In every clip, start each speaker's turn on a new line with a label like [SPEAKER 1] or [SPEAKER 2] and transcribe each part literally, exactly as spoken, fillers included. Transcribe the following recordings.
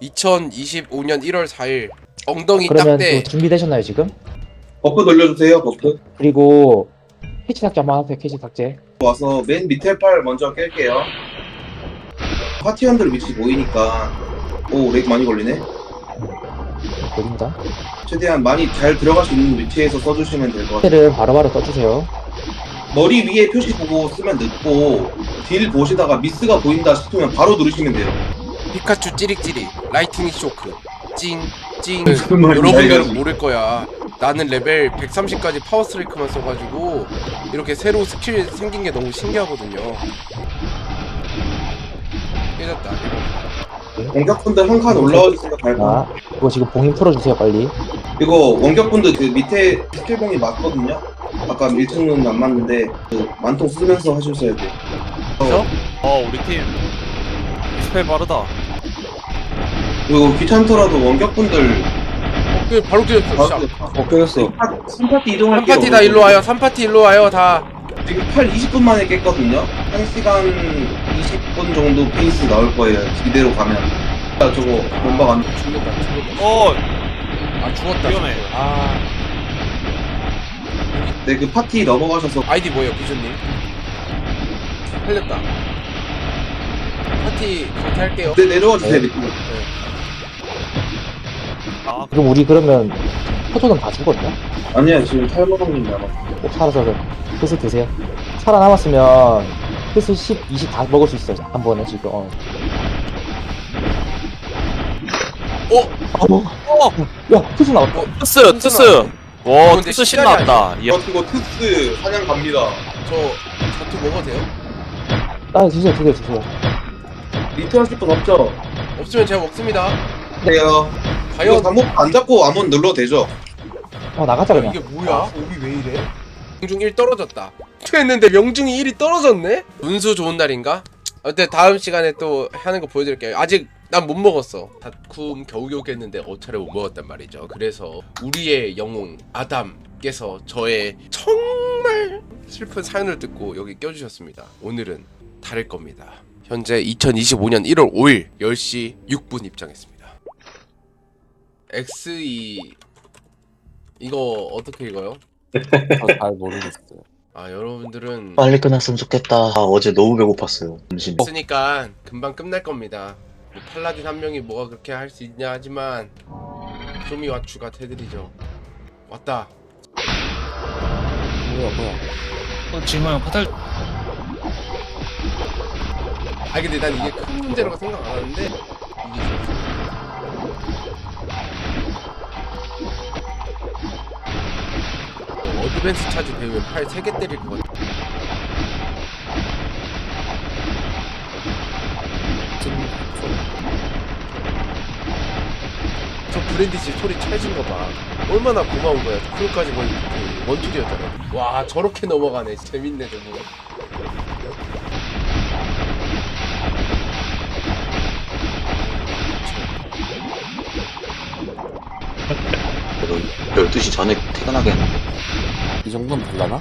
[SPEAKER 1] 이천이십오 년 일월 사일 엉덩이
[SPEAKER 2] 그러면
[SPEAKER 1] 딱대.
[SPEAKER 2] 또 준비되셨나요 지금?
[SPEAKER 3] 버프 돌려주세요. 버프.
[SPEAKER 2] 그리고 캐치 삭제 한번 하세요. 캐치 삭제.
[SPEAKER 3] 와서 맨 밑에 팔 먼저 깰게요. 파티원들 위치 보이니까. 오, 렉 많이 걸리네.
[SPEAKER 2] 보입니다.
[SPEAKER 3] 최대한 많이 잘 들어갈 수 있는 위치에서 써주시면 될 것 같아요.
[SPEAKER 2] 캐를 바로바로 써주세요.
[SPEAKER 3] 머리 위에 표시 보고 쓰면 늦고 딜 보시다가 미스가 보인다 싶으면 바로 누르시면 돼요.
[SPEAKER 1] 피카츄 찌릭찌릭 라이트닝 쇼크 찡찡.
[SPEAKER 3] 무슨 말인지
[SPEAKER 1] 여러분들은
[SPEAKER 3] 알겠어.
[SPEAKER 1] 모를 거야. 나는 레벨 백삼십까지 파워 스트라이크만 써가지고 이렇게 새로 스킬 생긴 게 너무 신기하거든요. 깨졌다.
[SPEAKER 3] 원격분들 한 칸 올라와주세요. 발판.
[SPEAKER 2] 자, 이거 지금 봉인 풀어주세요 빨리.
[SPEAKER 3] 이거 원격분들 그 밑에 스킬봉이 맞거든요. 아까 일 층은 안 맞는데 그 만통 쓰면서 하셔야 돼요.
[SPEAKER 4] 그죠? 어 우리 팀 스펠 빠르다.
[SPEAKER 3] 그리고 귀찮더라도 원격분들
[SPEAKER 1] 어, 그 바로 깨졌어.
[SPEAKER 3] 바로
[SPEAKER 1] 시작.
[SPEAKER 3] 어 깨졌어. 삼 파티 이동할게요.
[SPEAKER 1] 삼 파티 다 일로 와요. 삼 파티 일로 와요 다.
[SPEAKER 3] 지금 팔 이십 분 만에 깼거든요. 한 시간 이십 분 정도 페이스 나올 거예요. 이대로 가면. 아, 저거 몸박 안
[SPEAKER 1] 죽는다. 죽는다.
[SPEAKER 4] 어
[SPEAKER 1] 아 죽었다.
[SPEAKER 4] 위험해.
[SPEAKER 1] 아
[SPEAKER 3] 네, 그 파티 넘어가셔서
[SPEAKER 1] 아이디 뭐예요 비조님? 흘렸다. 파티 강퇴할게요.
[SPEAKER 3] 네, 내려와 주세요.
[SPEAKER 2] 네.
[SPEAKER 3] 밑으로.
[SPEAKER 4] 아
[SPEAKER 2] 그럼 우리 그러면 포토는 다 죽었나?
[SPEAKER 3] 아니야, 지금 탈모방님 남았어.
[SPEAKER 2] 꼭 살아서 뜻을 드세요. 살아남았으면 뜻을 십, 이십 다 먹을 수 있어요. 한 번에 지금. 어.
[SPEAKER 1] 어?
[SPEAKER 2] 어,
[SPEAKER 4] 어!
[SPEAKER 2] 야, 뜻이 나왔다.
[SPEAKER 4] 트스 트스. 와
[SPEAKER 1] 근데
[SPEAKER 4] 트스
[SPEAKER 1] 시간이
[SPEAKER 4] 신나왔다. 이야.
[SPEAKER 3] 저 이거 트스 사냥 갑니다.
[SPEAKER 1] 저 자투 먹어도 돼요?
[SPEAKER 2] 아, 주세요, 주세요, 주세요.
[SPEAKER 3] 리트 하실 분 없죠?
[SPEAKER 1] 없으면 제가 먹습니다.
[SPEAKER 3] 네요. 이거
[SPEAKER 1] 과연
[SPEAKER 3] 잠복 안 잡고 아무 눌러도 되죠?
[SPEAKER 2] 어, 나가자, 그냥.
[SPEAKER 1] 이게 뭐야? 오비 왜 이래? 명중 일 떨어졌다. 했는데 명중이 일이 떨어졌네? 운수 좋은 날인가? 어때 다음 시간에 또 하는 거 보여드릴게요. 아직 난 못 먹었어. 다쿰 겨우겨우 깼는데 어차피 못 먹었단 말이죠. 그래서 우리의 영웅 아담께서 저의 정말 슬픈 사연을 듣고 여기 껴주셨습니다. 오늘은 다를 겁니다. 현재 이천이십오 년 일월 오일 열 시 육 분 입장했습니다. 엑스이 이거 어떻게 읽어요?
[SPEAKER 5] 잘 모르겠어요.
[SPEAKER 1] 아 여러분들은
[SPEAKER 5] 빨리 끝났으면 좋겠다. 아, 어제 너무 배고팠어요. 점심.
[SPEAKER 1] 없으니까 금방 끝날 겁니다. 뭐 팔라딘 한 명이 뭐가 그렇게 할 수 있냐 하지만 쇼미와 추가 해드리죠. 왔다.
[SPEAKER 5] 뭐야 뭐야.
[SPEAKER 6] 어, 지금 파탈
[SPEAKER 1] 아 근데 난 이게 큰 문제라고 생각 안 하는데 이게 있었어. 어, 어드밴스 차지 배우면 팔 세 개 때릴 것 같아. 저 브랜디씨 소리 찰진 거 봐. 얼마나 고마운 거야. 그것까지 거의 그 원툴이었잖아. 와 저렇게 넘어가네. 재밌네 저거.
[SPEAKER 5] 열두 시 전에 퇴근하겠는데.
[SPEAKER 7] 이 정도는 될라나?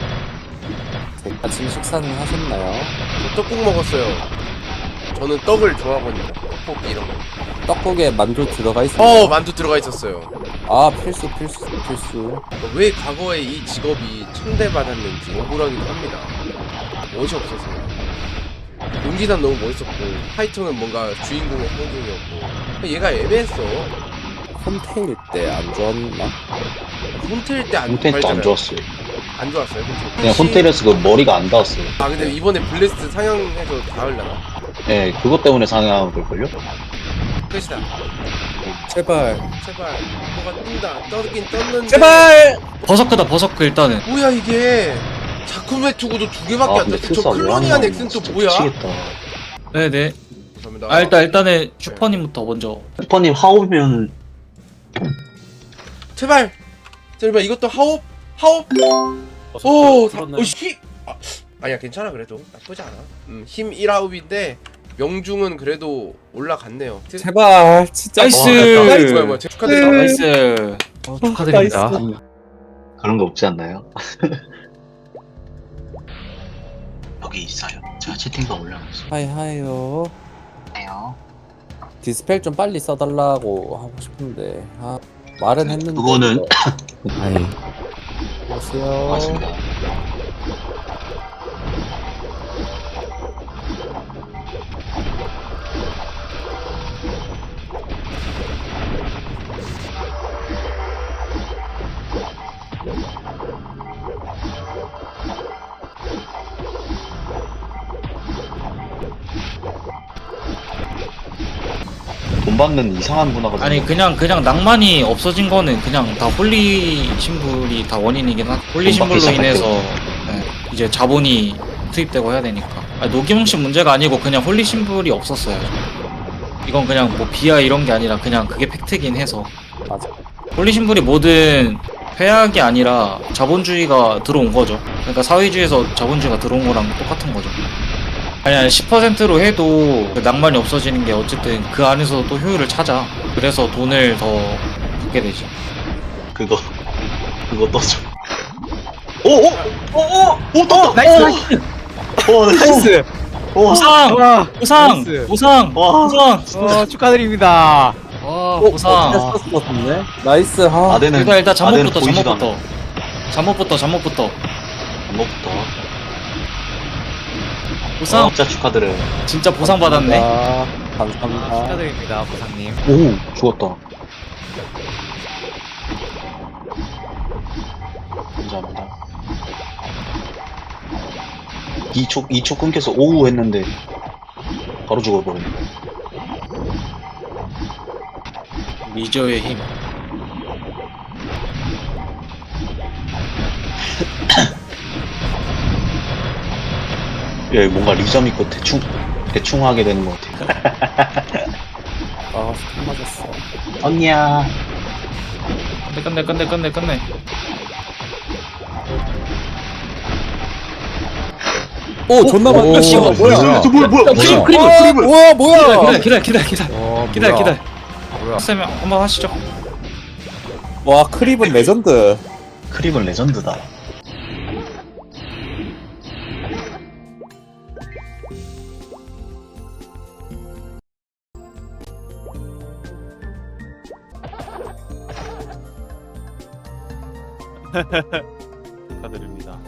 [SPEAKER 7] 아침 식사는 하셨나요?
[SPEAKER 1] 저 떡국 먹었어요. 저는 떡을 좋아하거든요. 떡볶이 이런 거.
[SPEAKER 7] 떡국에 만두 들어가 있어요.
[SPEAKER 1] 어 만두 들어가 있었어요.
[SPEAKER 7] 아 필수 필수 필수.
[SPEAKER 1] 왜 과거에 이 직업이 천대받았는지 억울하기도 합니다. 멋이 없어서요. 용기산 너무 멋있었고 파이터는 뭔가 주인공의 상징이었고 얘가 애매했어.
[SPEAKER 7] 홈테일 때 안 좋았나?
[SPEAKER 1] 혼텔 때안
[SPEAKER 5] 홈테일도 안 좋았어요.
[SPEAKER 1] 안 좋았어요. 혼텔.
[SPEAKER 5] 그냥 홈테일에서 그 머리가 안 닿았어요.
[SPEAKER 1] 아 근데 이번에 블레스트 상영해서 닿을라나?
[SPEAKER 5] 예, 네, 그것 때문에 상향한 걸걸요?
[SPEAKER 1] 끝이다.
[SPEAKER 7] 제발.
[SPEAKER 1] 제발 뭐가 뜬다. 떠긴 떴는데.
[SPEAKER 7] 제발.
[SPEAKER 6] 버서크다 버서크 일단은
[SPEAKER 1] 뭐야 이게? 자쿠메 투구도 두 개밖에
[SPEAKER 5] 아,
[SPEAKER 1] 안
[SPEAKER 5] 근데
[SPEAKER 1] 떴어. 저
[SPEAKER 5] 필사 왜
[SPEAKER 1] 클로니안
[SPEAKER 5] 하냐.
[SPEAKER 1] 엑스는 또
[SPEAKER 5] 진짜
[SPEAKER 1] 뭐야?
[SPEAKER 5] 미치겠다.
[SPEAKER 6] 네네.
[SPEAKER 1] 감사합니다.
[SPEAKER 6] 아 일단 일단은 슈퍼님부터 먼저
[SPEAKER 5] 슈퍼님 하오면
[SPEAKER 1] 제발 제발 이것도 하옵 하옵 오 사, 어, 힘 아, 아니야 괜찮아 그래도 나쁘지 않아. 음, 힘 일 아홉인데 명중은 그래도 올라갔네요.
[SPEAKER 7] 제발 진짜.
[SPEAKER 6] 나이스.
[SPEAKER 1] 어, 나이스. 뭐야 뭐야 축하드립니다.
[SPEAKER 6] 나이스. 어, 축하드립니다.
[SPEAKER 5] 그런 거 없지 않나요? 여기 있어요. 제가 채팅방 올려놨어요.
[SPEAKER 7] 하이 하이요.
[SPEAKER 5] 해요.
[SPEAKER 7] 디스펠 좀 빨리 써달라고 하고 싶은데 아 말은 했는데
[SPEAKER 5] 그거는-
[SPEAKER 2] 아이.
[SPEAKER 7] 안녕하세요.
[SPEAKER 5] 맞습니다. 돈 받는 이상한 문화가
[SPEAKER 6] 아니
[SPEAKER 5] 좀-
[SPEAKER 6] 그냥 그냥 낭만이 없어진 거는 그냥 다 홀리 신불이 다 원인이긴 한. 홀리
[SPEAKER 5] 돈 받기
[SPEAKER 6] 신불로
[SPEAKER 5] 시작할
[SPEAKER 6] 인해서 네, 이제 자본이 투입되고 해야 되니까. 아니, 노기몽 씨 문제가 아니고 그냥 홀리 신불이 없었어요. 이건 그냥 뭐 비하 이런 게 아니라 그냥 그게 팩트긴 해서.
[SPEAKER 7] 맞아.
[SPEAKER 6] 홀리 신불이 모든 회학이 아니라 자본주의가 들어온 거죠. 그러니까 사회주의에서 자본주의가 들어온 거랑 똑같은 거죠. 아니 아니 십 퍼센트로 해도 그 낭만이 없어지는 게 어쨌든 그 안에서 또 효율을 찾아. 그래서 돈을 더 받게 되지.
[SPEAKER 5] 그거 그거 떠줘. 오오오오오 떴다.
[SPEAKER 2] 나이스,
[SPEAKER 5] 나이스. 오 나이스. 오.
[SPEAKER 6] 보상!
[SPEAKER 2] 와,
[SPEAKER 6] 보상!
[SPEAKER 2] 나이스.
[SPEAKER 6] 보상!
[SPEAKER 5] 와.
[SPEAKER 6] 보상!
[SPEAKER 2] 어, 축하드립니다.
[SPEAKER 6] 와
[SPEAKER 7] 어,
[SPEAKER 6] 보상!
[SPEAKER 7] 썼었네. 나이스. 아,
[SPEAKER 5] 아대는
[SPEAKER 6] 일단 일단
[SPEAKER 5] 아대는
[SPEAKER 6] 잠옷부터
[SPEAKER 5] 보이지도
[SPEAKER 6] 잠옷부터
[SPEAKER 5] 않아.
[SPEAKER 6] 잠옷부터 잠옷부터
[SPEAKER 5] 잠옷부터.
[SPEAKER 6] 보상!
[SPEAKER 5] 어, 진짜 축하드려요.
[SPEAKER 6] 진짜 보상 받았네.
[SPEAKER 7] 아, 감사합니다.
[SPEAKER 2] 축하드립니다, 보상님.
[SPEAKER 5] 오 죽었다. 감사합니다. 이 초 이 초 끊겨서 오우 했는데 바로 죽어버렸네.
[SPEAKER 6] 미저의 힘.
[SPEAKER 5] 예, 뭔가 리점 있고 대충 대충 하게 되는 것 같아요.
[SPEAKER 7] 아, 스톱 맞았어.
[SPEAKER 5] 언니야.
[SPEAKER 6] 끝내 끝내 끝내 끝내 끝내.
[SPEAKER 7] 오, 존나 많다.
[SPEAKER 2] 오,
[SPEAKER 7] 씨, 뭐야?
[SPEAKER 2] 뭐야?
[SPEAKER 5] 저 뭐야 뭐야
[SPEAKER 6] 크림,
[SPEAKER 5] 뭐야?
[SPEAKER 6] 크림,
[SPEAKER 7] 와,
[SPEAKER 6] 크림을.
[SPEAKER 7] 뭐야, 뭐야?
[SPEAKER 6] 기다려 기다려 기다려 기다려
[SPEAKER 2] 어,
[SPEAKER 6] 기다려
[SPEAKER 2] 뭐야.
[SPEAKER 6] 기다려.
[SPEAKER 2] 뭐야.
[SPEAKER 6] 쌤 한번 하시죠.
[SPEAKER 7] 와, 크립은 레전드.
[SPEAKER 5] 크림은 레전드다.
[SPEAKER 4] 축하드립니다.